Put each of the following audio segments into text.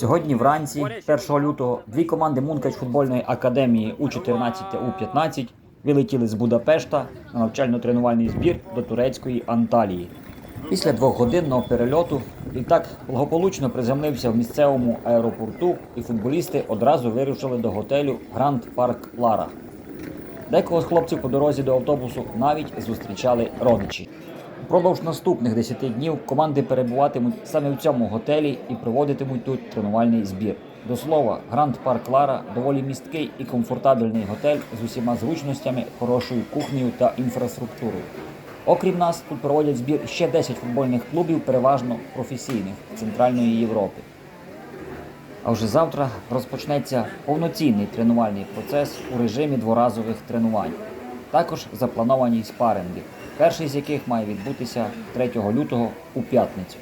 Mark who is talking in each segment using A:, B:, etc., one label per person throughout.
A: Сьогодні вранці, 1 лютого, дві команди Мункач футбольної академії У-14 та У-15 вилетіли з Будапешта на навчально-тренувальний збір до турецької Анталії. Після двохгодинного перельоту літак благополучно приземлився в місцевому аеропорту, і футболісти одразу вирушили до готелю Гранд Парк Лара. Декого з хлопців по дорозі до автобусу навіть зустрічали родичі. Впродовж наступних 10 днів команди перебуватимуть саме в цьому готелі і проводитимуть тут тренувальний збір. До слова, Гранд Парк Лара – доволі місткий і комфортабельний готель з усіма зручностями, хорошою кухнею та інфраструктурою. Окрім нас, тут проводять збір ще 10 футбольних клубів, переважно професійних, Центральної Європи. А вже завтра розпочнеться повноцінний тренувальний процес у режимі дворазових тренувань. Також заплановані спаринги, перший з яких має відбутися 3 лютого у п'ятницю.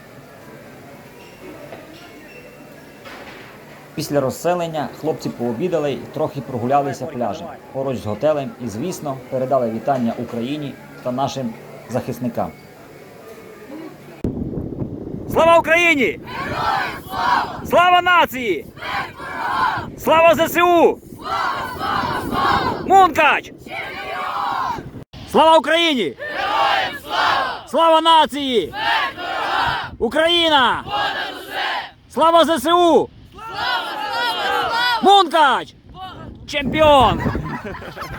A: Після розселення хлопці пообідали і трохи прогулялися пляжем поруч з готелем і, звісно, передали вітання Україні та нашим захисникам. Слава Україні!
B: Героям слава!
A: Слава нації!
B: Смерть ворогам!
A: Слава ЗСУ!
B: Слава, слава, слава!
A: Мункач!
B: Чемпіон!
A: Слава Україні!
B: Героям слава!
A: Слава нації!
B: Смерть ворогам!
A: Україна!
B: Понад усе!
A: Слава ЗСУ!
B: Слава, слава, слава!
A: Мункач! Чемпіон!